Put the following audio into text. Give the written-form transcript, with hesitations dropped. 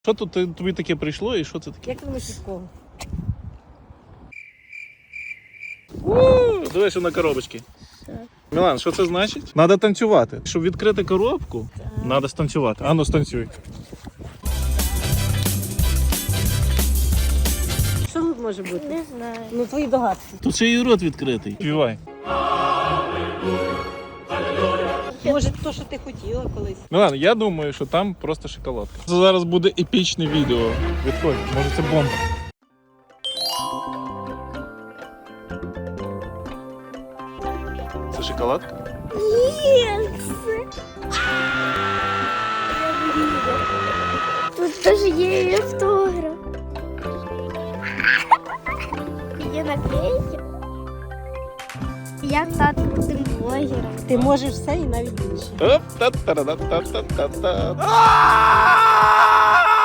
Що тут тобі таке прийшло і що це таке? Як ти думаєш, від кого? Дивись на коробочки. Мілан, що це значить? Треба танцювати. Щоб відкрити коробку, треба станцювати. Ану, станцюй. Що тут може бути? Не знаю. Ну, твої догадки. Тут ще і рот відкритий. Співай. Може, то, що ти хотіла колись. Мілан, я думаю, що там просто шоколадка. Це зараз буде епічне відео. Відходь, може це бомба. Це шоколадка? Ні, тут теж є і автограф. Є наклейки. Я тато крутим блогером. Ти можеш все і навіть більше. Оп-та-та-та-та-та-та-та.